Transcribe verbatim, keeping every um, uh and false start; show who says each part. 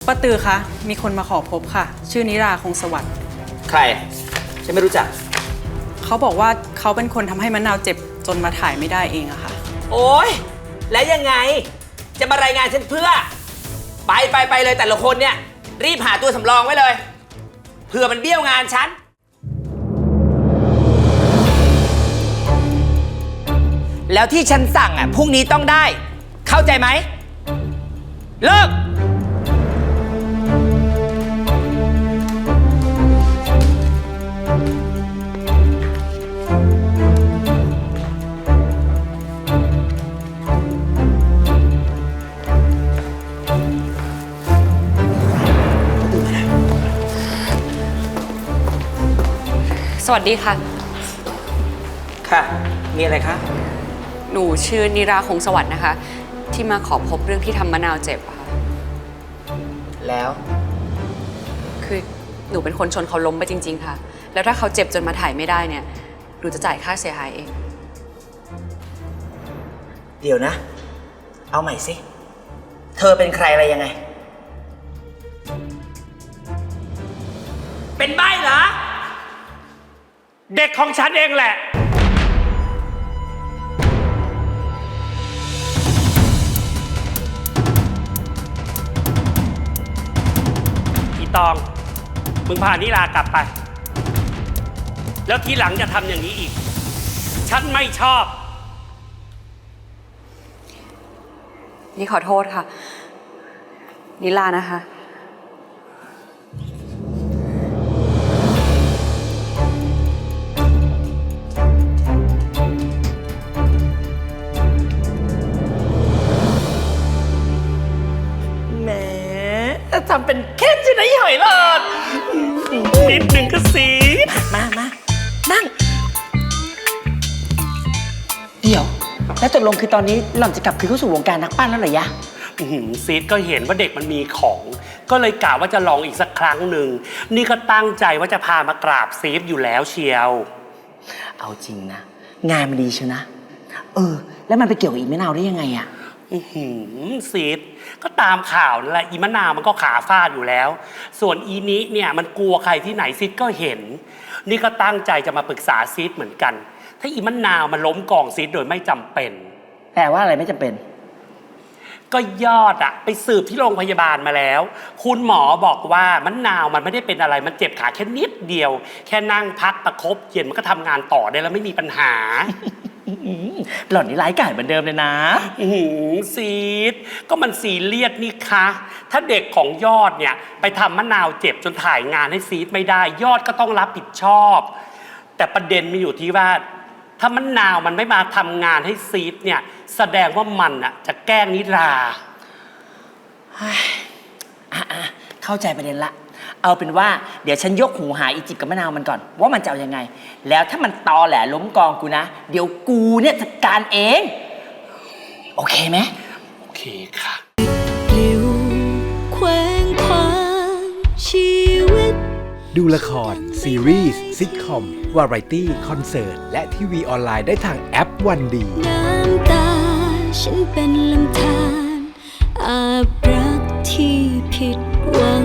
Speaker 1: ป้าตือคะมีคนมาขอพบค่ะชื่อนิราคงสวัสดิ์
Speaker 2: ใครฉันไม่รู้จัก
Speaker 1: เขาบอกว่าเขาเป็นคนทำให้มะนาวเจ็บจนมาถ่ายไม่ได้เองอะค่ะ
Speaker 2: โอ๊ยแล้วยังไงจะมารายงานฉันเพื่อไปไปไปเลยแต่ละคนเนี่ยรีบหาตัวสำรองไว้เลยเผื่อมันเบี้ยวงานฉันแล้วที่ฉันสั่งอ่ะพรุ่งนี้ต้องได้เข้าใจไหมเลิก
Speaker 3: สวัสดีค่ะ
Speaker 2: ค่ะมีอะไรคะ
Speaker 3: หนูชื่อนิราคงสวัสดิ์นะคะที่มาขอพบเรื่องที่ทำมะนาวเจ็บค่ะ
Speaker 2: แล้ว
Speaker 3: คือหนูเป็นคนชนเขาล้มไปจริงๆค่ะแล้วถ้าเขาเจ็บจนมาถ่ายไม่ได้เนี่ยหนูจะจ่ายค่าเสียหายเอง
Speaker 2: เดี๋ยวนะเอาใหม่สิเธอเป็นใครอะไรยังไงเป็นใบ้เหรอ
Speaker 4: เด็กของฉันเองแหละอีตองมึงพานิรากลับไปแล้วทีหลังจะทำอย่างนี้อีกฉันไม่ชอบ
Speaker 3: นี่ขอโทษค่ะนิลานะคะ
Speaker 2: ทำเป็นเข้มใช่ไหมหอยหลอด
Speaker 4: นิดหนึ่งก็สี
Speaker 2: มามานั่งเดี๋ยวแล้วตกลงคือตอนนี้หล่อนจะกลับคืนเข้าสู่วงการนักปั้นแล้วเหรอยะ
Speaker 4: ซีดก็เห็นว่าเด็กมันมีของก็เลยกะว่าจะลองอีกสักครั้งหนึ่งนี่ก็ตั้งใจว่าจะพามากราบซีฟอยู่แล้วเชียว
Speaker 2: เอาจริงนะงานมันดีเชียวนะเออแล้วมันไปเกี่ยวกับอีมะนาวได้ยังไงอะ
Speaker 4: ซีดก็ตามข่าวนั่นแหละอีมะนาวมันก็ขาฟาดอยู่แล้วส่วนอีนี้เนี่ยมันกลัวใครที่ไหนซีดก็เห็นนี่ก็ตั้งใจจะมาปรึกษาซีดเหมือนกันถ้าอีมะนาวมันล้มกองซีดโดยไม่จำเป็น
Speaker 2: แปลว่าอะไรไม่จำเป็น
Speaker 4: ก็ยอดอะไปสืบที่โรงพยาบาลมาแล้วคุณหมอบอกว่ามะนาวมันไม่ได้เป็นอะไรมันเจ็บขาแค่นิดเดียวแค่นั่งพักประคบเย็นมันก็ทำงานต่อได้แล้วไม่มีปัญหา
Speaker 2: หล่อนนี่ร้ายกาจเหมือนเดิมเลยนะ
Speaker 4: ซีดก็มันซีเรียสนี่คะถ้าเด็กของยอดเนี่ยไปทำมะนาวเจ็บจนถ่ายงานให้ซีดไม่ได้ยอดก็ต้องรับผิดชอบแต่ประเด็นมีอยู่ที่ว่าถ้ามะนาวมันไม่มาทำงานให้ซีดเนี่ยแสดงว่ามันอะจะแกล้งนิรา
Speaker 2: เข้าใจประเด็นละเอาเป็นว่าเดี๋ยวฉันยกหูหาอีจิบกับมะนาวมันก่อนว่ามันจะเอายังไงแล้วถ้ามันตอแหลล้มกองกูนะเดี๋ยวกูเนี่ยจัดการเองโอเคไหม
Speaker 4: โอเคค่ะ
Speaker 5: ปลิวแขวงคว้างชีวิต
Speaker 6: ดูละครซีรีส์ซิทคอมวาไรตี้คอนเสิร์ตและทีวีออนไลน์ได้ทางแอปวันดี
Speaker 5: น้ำตาฉันเป็นลำธารอาบรักที่ผิดหวัง